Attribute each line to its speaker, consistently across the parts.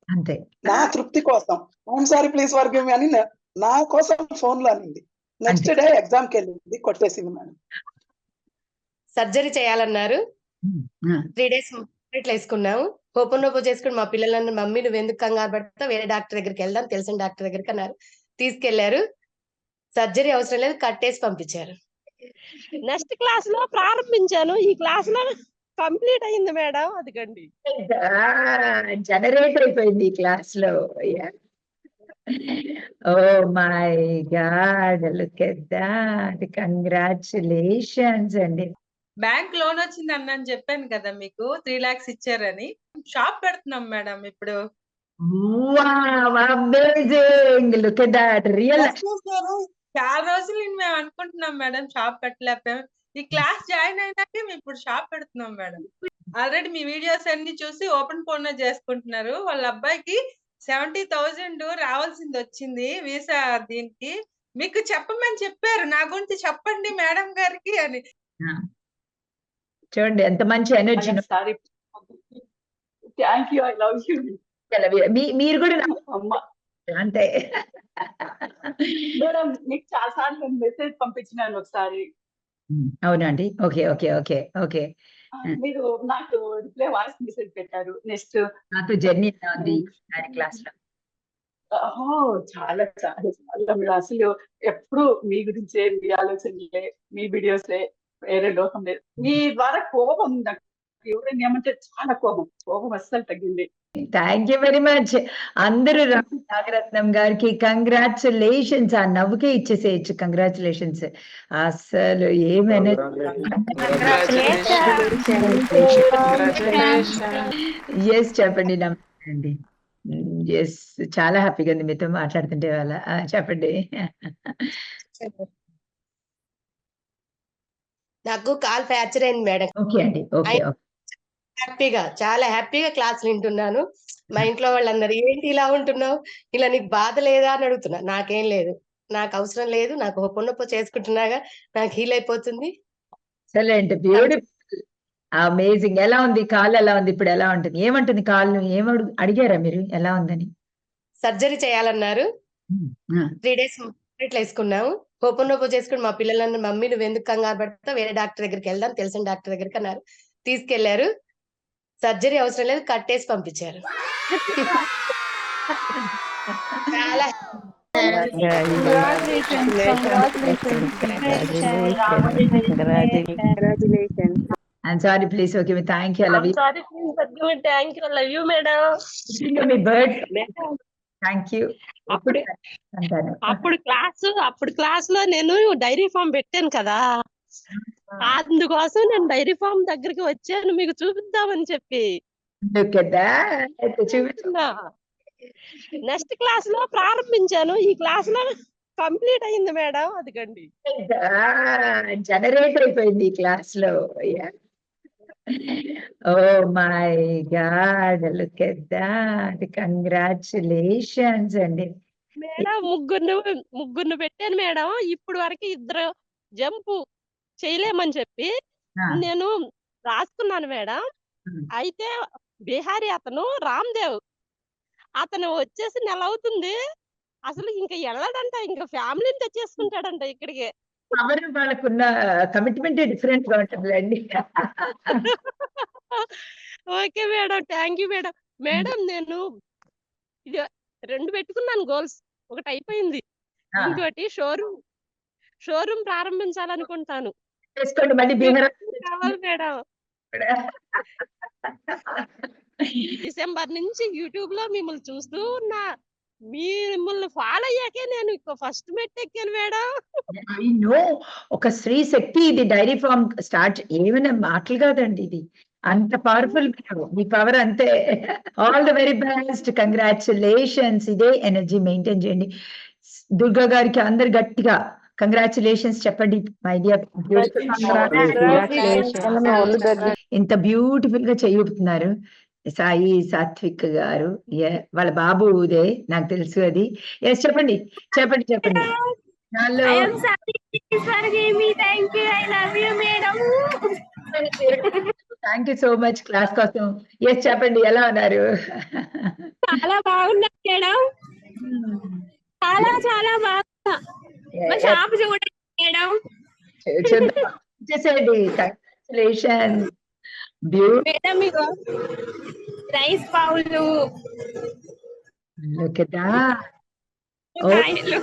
Speaker 1: అంతే.
Speaker 2: నా తృప్తి కోసం I'm sorry please forgive me అని నా కోసం ఫోన్ లో అనింది. నెక్స్ట్ డే ఎగ్జామ్ కి వెళ్ళింది, కొట్టేసింది మేడం.
Speaker 3: సర్జరీ చేయాలన్నారు. 3 days ఇట్లా వేసుకున్నాము. ఓపెన్ చేసుకుని మా పిల్లలన్న మమ్మీ నువ్వు ఎందుకు కంగారు పడతావు, వేరే డాక్టర్ దగ్గరికి వెళ్దాం, తెలిసిన డాక్టర్ దగ్గరికి అన్నారు. తీసుకెళ్లారు. సర్జరీ అవసరం లేదు, కట్టేసి పంపించారు.
Speaker 4: నెక్స్ట్ క్లాస్ లో ప్రారంభించాను, ఈ క్లాస్ లో కంప్లీట్ అయింది మేడం. అదిగండి
Speaker 1: జనరేట్ అయిపోయింది ఈ క్లాస్ లో. Oh my God, look at that, congratulations అండి.
Speaker 5: బ్యాంక్ లోన్ వచ్చింది అన్న చెప్పాను కదా మీకు, 3 lakhs ఇచ్చారని. షాప్ పెడుతున్నాం మేడం ఇప్పుడు.
Speaker 1: Amazing, look at that, real.
Speaker 5: చాలా రోజులు మేము అనుకుంటున్నాం మేడం, షాప్ పెట్టలేకపోయాం. ఈ క్లాస్ జాయిన్ అయినాకే మేము ఇప్పుడు షాప్ పెడుతున్నాం మేడం. ఆల్రెడీ మీ వీడియోస్ అన్ని చూసి ఓపెన్ ఫోన్ చేసుకుంటున్నారు. వాళ్ళ అబ్బాయికి 70,000 రావాల్సింది వచ్చింది వీసా దీనికి. మీకు చెప్పమని చెప్పారు, నా గురించి చెప్పండి మేడం గారికి అని.
Speaker 1: చూడండి ఎంత మంచి energy.
Speaker 6: Thank you, I love you.
Speaker 1: మీరు కూడా అంతే
Speaker 6: మేడం. మీకు చాలా సార్లు మెసేజ్ పంపించినాను ఒకసారి.
Speaker 1: అవునండి. Okay okay okay okay.
Speaker 6: మీరు నాకు రిప్లై వాయిస్ మెసేజ్ పెట్టారు. నెక్స్ట్
Speaker 1: నాతో జర్నీ ఉంది క్లాస్ లో.
Speaker 6: చాలా చాలా చాలా మీరు అసలు ఎప్పుడు మీ గురించే, మీ ఆలోచనలే, మీ వీడియోసే, వేరే లోకం లేదు. మీ ద్వారా కోపం నాకు ఎవరైనా ఏమంటే చాలా కోపం అస్సలు తగ్గింది.
Speaker 1: Thank you very much. అందరూ నాగరత్నం గారికి కంగ్రాచులేషన్స్. ఆ నవ్వుకే ఇచ్చేసేయచ్చు కంగ్రాచులేషన్స్. అసలు ఏమైనా ఎస్ చెప్పండి. నమ్మండి. ఎస్, చాలా హ్యాపీగా ఉంది మీతో మాట్లాడుతుంటే వాళ్ళ. చెప్పండి.
Speaker 3: నాకు కాల్ ఫ్రాక్చర్ అయింది మేడం.
Speaker 1: ఓకే అండి. ఓకే
Speaker 3: చాలా హ్యాపీగా క్లాస్ వింటున్నాను. మా ఇంట్లో వాళ్ళు అన్నారు, ఏంటి ఇలా ఉంటున్నావు, ఇలా నీకు బాధ లేదా అని అడుగుతున్నా. నాకేం లేదు, నాకు అవసరం లేదు, నాకు ఒప్పొన్నొప్ప చేసుకుంటున్నాగా, నాకు హీల్ అయిపోతుంది.
Speaker 1: Beautiful, amazing. ఎలా ఉంది కాళ్ళు, ఎలా ఉంది ఇప్పుడు, ఎలా ఉంటుంది, ఏమంటుంది కాళ్ళు, అడిగారా మీరు ఎలా ఉందని?
Speaker 3: సర్జరీ చేయాలన్నారు. 3 days ఇట్లా వేసుకున్నాము. ఓపెన్ చేసుకుని మా పిల్లలన్న మమ్మీ నువ్వు ఎందుకు కంగారు పడతావు, వేరే డాక్టర్ దగ్గరికి వెళ్దాం, తెలిసిన డాక్టర్ దగ్గరికి అన్నారు. తీసుకెళ్లారు. సర్జరీ అవసరం లేదు, కట్టేసి పంపించారు. చాలా
Speaker 1: I'm sorry, please forgive me. Thank you. I love you.
Speaker 4: I'm sorry, please forgive me. Thank you. I love you, madam.
Speaker 1: Happy birthday. Thank you.
Speaker 4: అప్పుడు క్లాస్ లో నేను డైరీ ఫామ్ పెట్టాను కదా, అందుకోసం నేను డైరీ ఫామ్ దగ్గరికి వచ్చాను మీకు చూపిద్దామని చెప్పి. నెక్స్ట్ క్లాస్ లో ప్రారంభించాను, ఈ క్లాస్ లో కంప్లీట్ అయింది మేడం. అదిగండి
Speaker 1: జనరేట్ అయిపోయింది ఈ క్లాస్ లో. Oh my God, look at that, congratulations అండి.
Speaker 4: మేడం ముగ్గురు పెట్టాను మేడం. ఇప్పుడు వరకు 2 జంపు చేయలేమని చెప్పి నేను రాసుకున్నాను మేడం. అయితే బిహారీ అతను రామ్దేవ్ అతను వచ్చేసి నెల అవుతుంది, అసలు ఇంకా వెళ్ళడంట, ఇంకా ఫ్యామిలీని తెచ్చేసుకుంటాడంట ఇక్కడికి.
Speaker 1: వాళ్ళకున్న కమిట్మెంట్ డిఫరెంట్ గా ఉంటుందండి.
Speaker 4: Okay madam, thank you madam. Madam నేను 2 పెట్టుకున్నాను గోల్స్, ఒకటి అయిపోయింది, ఇంకోటి షోరూమ్ ప్రారంభించాలనుకుంటాను. కావాలి మేడం. డిసెంబర్ నుంచి యూట్యూబ్ లో మిమ్మల్ని చూస్తూ ఉన్నా, మిమ్మల్ని ఫాలో అయ్యాకే నేను ఫస్ట్ మెట్ ఎక్కాను మేడం.
Speaker 1: ఒక స్త్రీ శక్తి ఇది. డైరీ ఫార్మ్ స్టార్ట్ ఏమైనా మాటలు కాదండి, ఇది అంత పవర్ఫుల్. మీ పవర్ అంతే. All the very best, congratulations. ఇదే ఎనర్జీ మెయింటైన్ చేయండి. దుర్గా గారికి అందరు గట్టిగా కంగ్రాచులేషన్స్ చెప్పండి. మై డియర్, ఇంత బ్యూటిఫుల్ గా చేయుతున్నారు సాయి సాత్విక్ గారు. వాళ్ళ బాబు ఉదే, నాకు తెలుసు అది. ఎస్ చెప్పండి చెప్పండి చెప్పండి. Thank you so much class కోసం. ఎస్ చెప్పండి, ఎలా ఉన్నారు?
Speaker 4: చాలా బాగున్నా మేడం, చాలా చాలా బాగున్నా. మా షాప్ చూడండి మేడం.
Speaker 1: చూద్దాం చేసేయండి. కంగ్రాచులేషన్. బ్యూటిఫుల్.
Speaker 4: మేడం మీకు rice bowl,
Speaker 1: Look at that. Oh,
Speaker 4: కాయలు,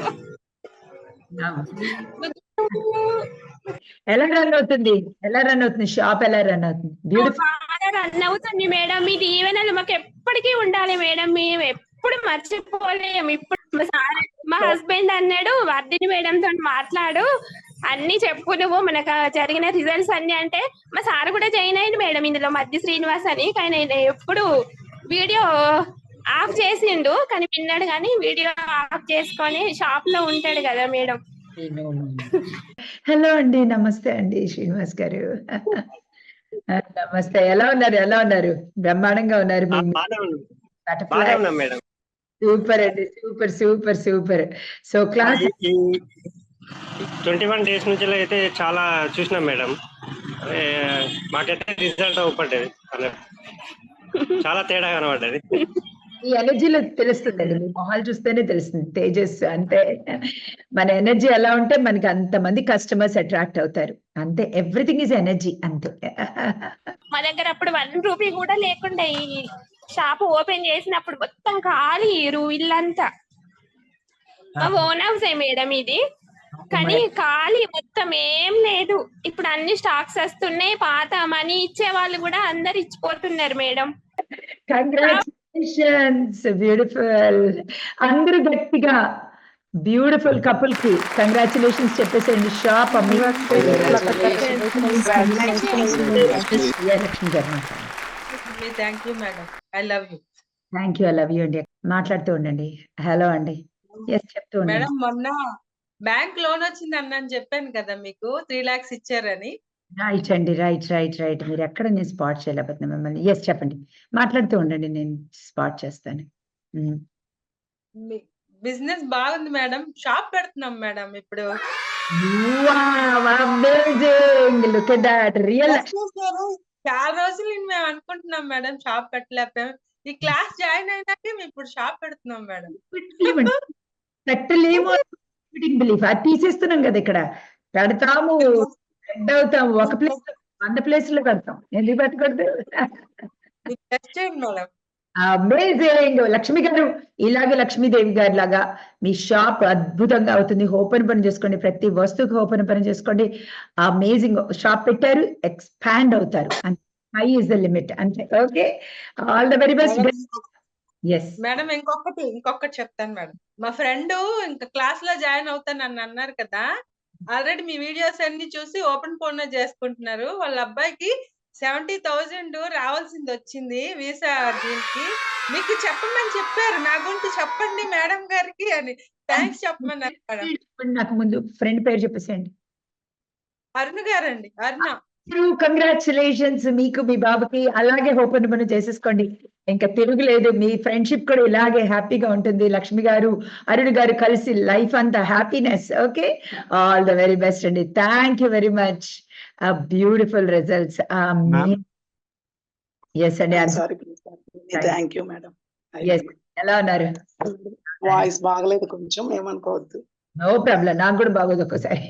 Speaker 1: ఎలా రన్ అవుతుంది? ఎలా రన్ అవుతుంది? షాప్ ఎలా రన్ అవుతుంది? బ్యూటిఫుల్.
Speaker 4: బాగా రన్ అవుతుంది మేడం. మీ దీవెనలు మాకు ఎప్పటికీ ఉండాలి మేడం. మేము ఎప్పుడు మర్చిపోలేము. ఇప్పుడు మా హస్బెండ్ అన్నాడు, వర్ధిని మేడం తో మాట్లాడు, అన్ని చెప్పు నువ్వు మనకు జరిగిన రిజల్ట్స్ అన్ని అంటే. మా సార్ కూడా జాయిన్ అయ్యింది మేడం ఇందులో, మధ్య శ్రీనివాస్ అని. కానీ ఎప్పుడు వీడియో ఆఫ్ చేసిండు, కానీ విన్నాడు, కానీ వీడియో ఆఫ్ చేసుకొని షాప్ లో ఉంటాడు కదా మేడం.
Speaker 1: హలో అండి, నమస్తే అండి శ్రీనివాస్ గారు. నమస్తే. ఎలా ఉన్నారు? ఎలా ఉన్నారు? బ్రహ్మాండంగా ఉన్నారు.
Speaker 7: మేడం.
Speaker 1: సూపర్ అండి, super super super. So class
Speaker 7: 21 days నుంచి అయితే చాలా చూసినాం మేడం. మాకైతే రిజల్ట్ అవుపడ్డది, చాలా తేడా కనబడ్డది.
Speaker 1: ఈ ఎనర్జీలో తెలుస్తుందండి, మీ మొహాలు చూస్తేనే తెలుస్తుంది తేజస్. అంటే మన ఎనర్జీ ఎలా ఉంటే మనకి అంతమంది కస్టమర్స్ అట్రాక్ట్ అవుతారు. అంతే, ఎవ్రీథింగ్ ఈజ్ ఎనర్జీ. అంతే.
Speaker 4: మా దగ్గర అప్పుడు 1 రూపీ కూడా లేకుండా ఈ షాప్ ఓపెన్ చేసినప్పుడు మొత్తం ఖాళీ ఇల్లంతా. మా ఓన్ హౌసే మేడం ఇది, కానీ ఖాళీ మొత్తం ఏం లేదు. ఇప్పుడు అన్ని స్టాక్స్ వస్తున్నాయి. పాత మనీ ఇచ్చే వాళ్ళు కూడా అందరు ఇచ్చిపోతున్నారు మేడం.
Speaker 1: కంగ్రాచులేషన్స్. బ్యూటిఫుల్. అందరూ గట్టిగా బ్యూటిఫుల్ కపుల్ కి కంగ్రాచులేషన్స్ చెప్పేసేయండి. షాప్ లక్ష్మి గారు.
Speaker 5: Thank you madam. I love you.
Speaker 1: Thank you. I love you అండి. మాట్లాడుతూ ఉండండి. హలో అండి. ఎస్, చెప్తూ ఉండండి.
Speaker 5: మేడం, మొన్న బ్యాంక్ లోన్ వచ్చింది అన్నాను, చెప్పాను కదా మీకు 3 lakhs ఇచ్చారని.
Speaker 1: రైట్ అండి, రైట్ రైట్ రైట్. మీరు ఎక్కడ నేను స్పాట్ చేయలేకపోతున్నా మిమ్మల్ని. ఎస్, చెప్పండి. మాట్లాడుతూ ఉండండి, నేను స్పాట్ చేస్తాను.
Speaker 5: బిజినెస్ బాగుంది మేడం. షాప్ పెడుతున్నాం మేడం ఇప్పుడు.
Speaker 1: Look at that. రియల్.
Speaker 5: చాలా రోజులు మేము అనుకుంటున్నాం మేడం, షాప్ పెట్టలేకపోయాం. ఈ క్లాస్ జాయిన్ అయినాకే మేము ఇప్పుడు షాప్ పెడుతున్నాం మేడం.
Speaker 1: పెట్టలేము. బిలీఫ్ అది తీసేస్తున్నాం కదా, ఇక్కడ పెడతాము, హెడ్ అవుతాము. ఒక ప్లేస్ 100 ప్లేసుల్లో పెడతాం. ఎందుకు పెట్టకూడదు?
Speaker 5: Madam
Speaker 1: amazing. లక్ష్మి గారు, ఇలాగే లక్ష్మీదేవి గారి లాగా మీ షాప్ అద్భుతంగా అవుతుంది. ఓపెన్ పని చేసుకోండి, ప్రతి వస్తువుకి ఓపెన్ పని చేసుకోండి. అమేజింగ్ షాప్ పెట్టారు, ఎక్స్పాండ్ అవుతారు. High is the limit. అంతే. Okay, all the very best. Yes
Speaker 5: madam, ఇంకొకటి చెప్తాను మేడం. మా ఫ్రెండ్ ఇంకా క్లాస్ లో జాయిన్ అవుతానని అన్నారు కదా, ఆల్రెడీ మీ వీడియోస్ అన్ని చూసి ఓపెన్ ఫోన్ చేసుకుంటున్నారు. వాళ్ళ అబ్బాయికి 70,000 రావాల్సింది వచ్చింది వీసా దీనికి. మీకు చెప్పమని చెప్పారు, నా గురించి చెప్పండి మేడం గారికి అని. థ్యాంక్స్ చెప్పమన్నారు మేడం.
Speaker 1: నాకు ముందు ఫ్రెండ్ పేరు చెప్పేసేయండి.
Speaker 5: అరుణ గారండి, అరుణ.
Speaker 1: కంగ్రాచులేషన్స్ మీకు, మీ బాబుకి. అలాగే ఓపెన్ పని చేసేసుకోండి, ఇంకా తిరుగులేదు. మీ ఫ్రెండ్షిప్ కూడా ఇలాగే హ్యాపీగా ఉంటుంది. లక్ష్మి గారు, అరుణ్ గారు కలిసి లైఫ్ అంతా happiness. Okay, all the very best అండి. Thank you very much. Beautiful results. Yes అండి.
Speaker 2: Thank you madam.
Speaker 1: ఎలా ఉన్నారు?
Speaker 2: వాయిస్ బాగలేదు, కొంచెం ఏమనుకోవద్దు.
Speaker 1: నో ప్రాబ్లం, నాకు కూడా బాగోదు ఒక్కోసారి.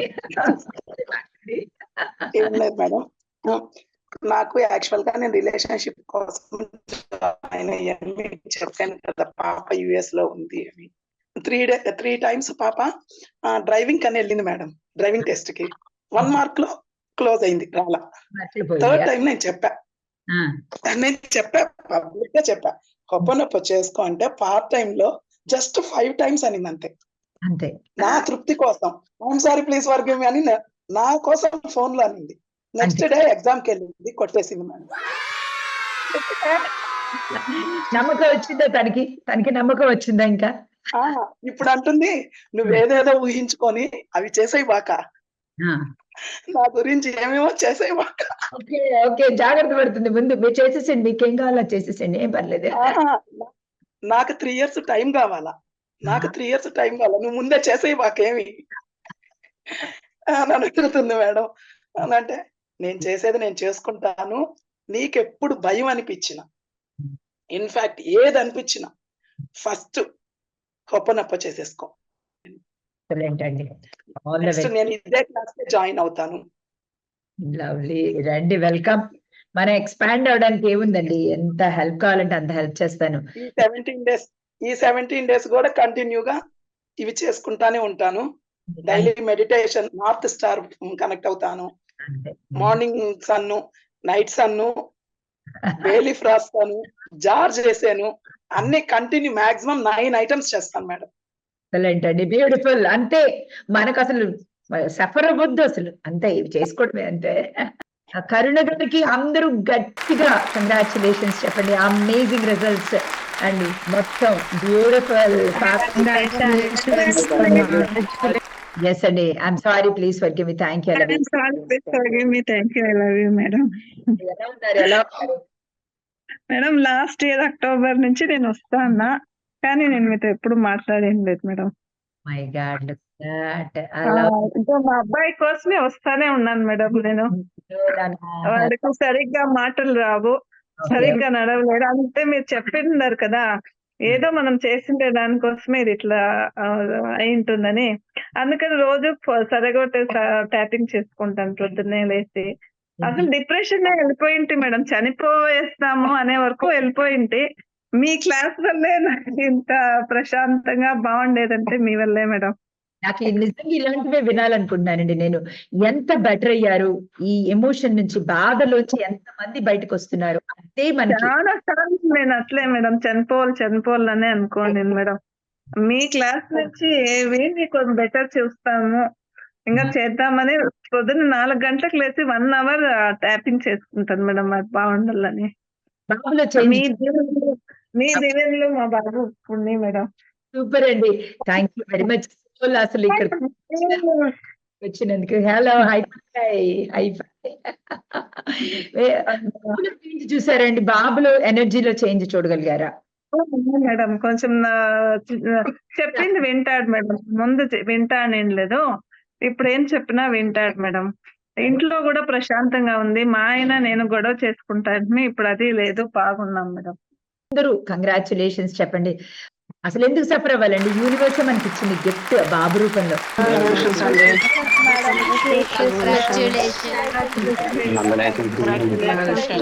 Speaker 2: ఏం లేదు మేడం, నాకు యాక్చువల్ గా నేను రిలేషన్షిప్ కోసం జాయిన్ అయ్యాను. మీకు చెప్పాను కదా, పాప US లో ఉంది అని. 3 times పాప డ్రైవింగ్ అని వెళ్ళింది మేడం, డ్రైవింగ్ టెస్ట్ కి. 1 mark లో క్లోజ్ అయింది, రాలా. 3rd time నేను చెప్పా పబ్లిక్ గా చెప్పా, ఓపెన్ చేసుకో అంటే పార్ట్ టైం లో జస్ట్ 5 times అనింది అంతే.
Speaker 1: అంతే,
Speaker 2: నా తృప్తి కోసం. I'm sorry please forgive me అని నా కోసం ఫోన్ లో అనింది. నెక్స్ట్ డే ఎగ్జామ్ కి వెళ్ళింది, కొట్టేసింది మేడం.
Speaker 1: నమ్మకం వచ్చిందా తనకి నమ్మకం వచ్చిందా? ఇంకా
Speaker 2: ఇప్పుడు అంటుంది, నువ్వేదేదో ఊహించుకొని అవి చేసేయి బాక, నా గురించి ఏమేమో చేసేయి బాక.
Speaker 1: ఓకే ఓకే, జాగ్రత్త పడుతుంది. ముందు మీరు చేసేసండి, మీకేం కావాలో చేసేసండి, ఏం పర్లేదు.
Speaker 2: నాకు 3 years టైం కావాలా, నువ్వు ముందే చేసేయి బాకేమి అని అడుగుతుంది మేడం. అంటే నేను చేసేది నేను చేసుకుంటాను, నీకెప్పుడు భయం అనిపించిన, ఇన్ఫాక్ట్ ఏది అనిపించిన ఫస్ట్ ఓపెన్ అప్ చేసేసుకో.
Speaker 1: ఏంటండి ఆల్ ద
Speaker 2: నెక్స్ట్ నేను ఇదే క్లాస్ జాయిన్ అవుతాను.
Speaker 1: లవ్లీ, రండి, వెల్కమ్. మనం ఎక్స్పాండ్ అవడానికి ఏముందండి, ఎంత హెల్ప్ కావాలంటే అంత హెల్ప్ చేస్తాను.
Speaker 2: ఈ 17 డేస్ కూడా కంటిన్యూగా ఇవి చేసుకుంటానే ఉంటాను. Daily meditation, north star connect అవుతాను, మార్నింగ్ సన్ను, నైట్ సన్ను, బేలీ ఫ్రాస్ట్ అను, జార్జ్ చేశాను, అన్ని కంటిన్యూ మాక్సిమం 9 ఐటమ్స్ చేస్తాను మేడం.
Speaker 1: ఏంటండి బ్యూటిఫుల్. అంతే, మనకు అసలు సఫర్ అవ్వద్దు అసలు, అంతే, ఇవి చేసుకోవడమే అంతే. కరుణ గారికి అందరూ గట్టిగా కంగ్రాచులేషన్స్ చెప్పండి, అమేజింగ్ రిజల్ట్స్ అండి, మొత్తం బ్యూటిఫుల్. ఎస్ అండి, I'm sorry, please forgive me. Thank you. ఎలా ఉన్నారు, ఎలా ఉన్నారు
Speaker 8: మేడం? లాస్ట్ ఇయర్ అక్టోబర్ నుంచి నేను వస్తా అన్నా, కానీ నేను మీతో ఎప్పుడు మాట్లాడేం లేదు మేడం.
Speaker 1: మై గాడ్,
Speaker 8: ఇంకా మా అబ్బాయి కోసమే వస్తానే ఉన్నాను మేడం. నేను వాడికి సరిగ్గా మాటలు రావు, సరిగ్గా నడవలేడు. అంతే మీరు చెప్పిండారు కదా, ఏదో మనం చేసిండే దానికోసమే ఇది ఇట్లా అయి ఉంటుందని. అందుకని రోజు సరగొట్టే ట్యాపింగ్ చేసుకుంటాను పొద్దున్నే లేచి. అసలు డిప్రెషన్ వెళ్ళిపోయింటి మేడం, చనిపోయేస్తాము అనే వరకు వెళ్ళిపోయింటి. మీ క్లాస్ వల్లే నాకు ఇంత ప్రశాంతంగా బాగుండేదంటే మీ వల్లే మేడం.
Speaker 1: నాకు నిజంగా ఇలాంటివే వినాలనుకుంటున్నానండి నేను. ఎంత బెటర్ అయ్యారు, ఈ ఎమోషన్ నుంచి, బాధలోంచి ఎంత మంది బయటకు వస్తున్నారు, అంతే మనకి.
Speaker 8: చాలా సార్లు నేను అట్లే మేడం, చనిపోవాలనే అనుకోండి మేడం. మీ క్లాస్ నుంచి ఏవి కొంచెం బెటర్ చూస్తాము, ఇంకా చేద్దామని పొద్దున్న 4 గంటలకు లేచి 1 అవర్ ట్యాపింగ్ చేసుకుంటాను మేడం, అది బాగుండాలని. మీ దీవెనలు మా బాబు ఉన్నాయి మేడం.
Speaker 1: సూపర్ అండి, థ్యాంక్ యూ వెరీ మచ్. అసలు ఇక్కడ వచ్చినందుకు. హలో, చూసారండి, బాబులో ఎనర్జీలో చేంజ్ చూడగలిగారా
Speaker 8: మేడం? కొంచెం చెప్పింది వింటాడు మేడం, ముందు వింటానేం లేదు, ఇప్పుడు ఏం చెప్పినా వింటాడు మేడం. ఇంట్లో కూడా ప్రశాంతంగా ఉంది. మా ఆయన నేను గొడవ చేసుకుంటాను, ఇప్పుడు అది లేదు, బాగున్నాం మేడం.
Speaker 1: అందరూ కంగ్రాచులేషన్స్ చెప్పండి. అసలు ఎందుకు సఫర్ అవ్వాలండి, యూనివర్స్ మనకి ఇచ్చింది గిఫ్ట్ బాబు రూపంలో.